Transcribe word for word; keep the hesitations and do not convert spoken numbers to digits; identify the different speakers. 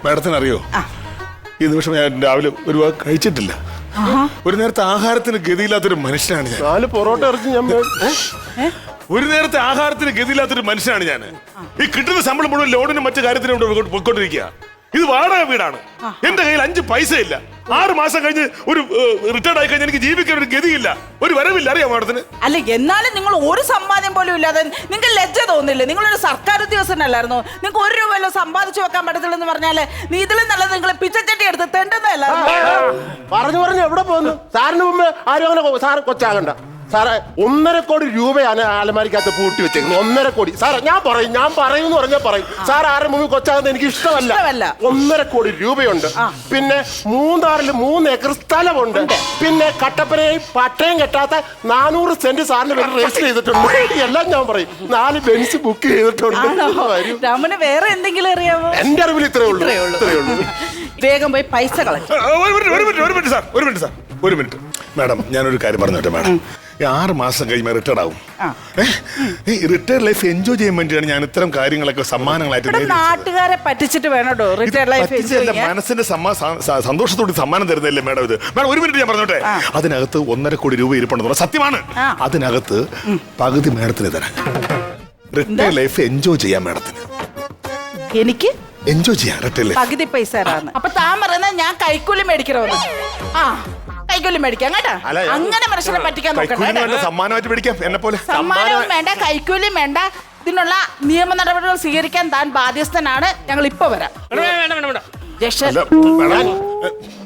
Speaker 1: മാഡത്തിന് അറിയോ, ഈ നിമിഷം ഞാൻ രാവിലെ ഒരു വാക്ക് കഴിച്ചിട്ടില്ല. ഒരു നേരത്തെ ആഹാരത്തിന് ഗതിയില്ലാത്തൊരു മനുഷ്യനാണ് ഞാൻ.
Speaker 2: നാല് പൊറോട്ട ഇറച്ചി ഞാൻ
Speaker 1: ഒരു നേരത്തെ ആഹാരത്തിന് ഗതിയില്ലാത്തൊരു മനുഷ്യനാണ് ഞാൻ. ഈ കിട്ടുന്ന ശമ്പളം മുഴുവൻ ലോണിനും മറ്റു കാര്യത്തിനും പോയിക്കൊണ്ടിരിക്കുക. ഇത് വാടക വീടാണ്. എന്റെ കയ്യിൽ അഞ്ച് പൈസ ഇല്ല. ആറ് മാസം കഴിഞ്ഞ് ഒരു റിട്ടയർഡ് ആയി കഴിഞ്ഞാൽ എനിക്ക് ജീവിക്കാൻ ഒരു ഗതിയില്ല, ഒരു വരവില്ല. അറിയാം മാഡത്തിന്?
Speaker 3: അല്ല, എന്നാലും നിങ്ങൾ ഒരു സമ്പാദ്യം പോലും ഇല്ലാതെ നിങ്ങൾക്ക് ലജ്ജ തോന്നില്ലേ? നിങ്ങളൊരു സർക്കാർ ഉദ്യോഗസ്ഥനല്ലായിരുന്നു? നിങ്ങൾക്ക് ഒരു രൂപ വല്ലതും സമ്പാദിച്ചു വെക്കാൻ പറ്റത്തില്ലെന്ന് പറഞ്ഞാല് നീ ഇതിലും നല്ലത് നിങ്ങൾ പിച്ചച്ചട്ടി എടുത്ത് തെണ്ടുന്നതല്ല.
Speaker 2: പറഞ്ഞു പറഞ്ഞു എവിടെ പോകുന്നു? സാറിന് മുമ്പ് ആരും അങ്ങനെ സാറ് കൊച്ചാകണ്ട. സാറേ, ഒന്നര കോടി രൂപയാണ് അലമാരിക്കകത്ത് പൂട്ടി വെച്ചേക്കുന്നത്. ഒന്നര കോടി. സാറേ ഞാൻ പറയും, ഞാൻ പറയും എന്ന് പറഞ്ഞാൽ പറയും. സാർ ആരുടെ മുമ്പിൽ കൊച്ചാകുന്നത് എനിക്ക് ഇഷ്ടമല്ല. ഒന്നര കോടി രൂപയുണ്ട്. പിന്നെ മൂന്നാറിൽ മൂന്ന് ഏക്കർ സ്ഥലമുണ്ട്. പിന്നെ കട്ടപ്പനയും പട്ടയം കെട്ടാത്ത നാനൂറ് സെന്റ് സാറിന് വേണ്ടി രജിസ്റ്റർ ചെയ്തിട്ടുണ്ട്. എല്ലാം ഞാൻ പറയും. നാല് ബെൻസ് ബുക്ക് ചെയ്തിട്ടുണ്ട്.
Speaker 3: രമന് വേറെ എന്തെങ്കിലും അറിയാമോ?
Speaker 2: എന്റെ അറിവിൽ ഇത്രേ ഉള്ളൂ, ഇത്രേ ഉള്ളൂ.
Speaker 3: വേഗം പോയി പൈസ കളക്ട്.
Speaker 1: ഒരു മിനിറ്റ് ഒരു മിനിറ്റ് സാർ ഒരു മിനിറ്റ് സാർ ഒരു മിനിറ്റ് മാഡം, ഞാനൊരു കാര്യം പറഞ്ഞോട്ടെ മാഡം. ആറ് മാസം കഴിയുമ്പോൾ റിട്ടയർഡ് ആവും. റിട്ടയർഡ് ലൈഫ് എൻജോയ് ചെയ്യാൻ വേണ്ടിയാണ് ഞാൻ ഇത്തരം കാര്യങ്ങളൊക്കെ സമ്മാനങ്ങളായിട്ട്.
Speaker 3: നാട്ടുകാരെ പറ്റിച്ചിട്ട് വേണോ റിട്ടയർഡ് ലൈഫ് എൻജോയ് ചെയ്യാൻ?
Speaker 1: മനസ്സിന്റെ സന്തോഷത്തോടെ സമ്മാനം തരുന്നതല്ലേ മാഡം ഇത്? മാഡം ഒരു മിനിറ്റ് ഞാൻ പറഞ്ഞോട്ടെ. അതിനകത്ത് ഒന്നര കോടി രൂപ ഇരിപ്പുണ്ടെന്ന് സത്യമാണ്. അതിനകത്ത് പകുതി മാഡത്തിന് തരാം. റിട്ടയർഡ് ലൈഫ് എൻജോയ് ചെയ്യാം മാഡത്തിന്.
Speaker 3: എനിക്ക്
Speaker 1: എൻജോയ് ചെയ്യാം റിട്ടയർഡ് ലൈഫ്.
Speaker 3: പകുതി പൈസ തരാന്ന്. അപ്പൊ താൻ പറയുന്നത് ഞാൻ കൈക്കൂലി മേടിക്കണമെന്ന്? ആ, കൈക്കൂലി മേടിക്കാം കേട്ടോ. അങ്ങനെ മനുഷ്യനെ പറ്റിക്കാൻ നോക്കണ്ട.
Speaker 1: സമ്മാനമായിട്ട് മേടിക്കാം എന്നെ പോലെ.
Speaker 3: സമ്മാനവും വേണ്ട, കൈക്കൂലിയും വേണ്ട. ഇതിനുള്ള നിയമ നടപടികൾ സ്വീകരിക്കാൻ താൻ ബാധ്യസ്ഥനാണ്. ഞങ്ങൾ ഇപ്പൊ വരാം.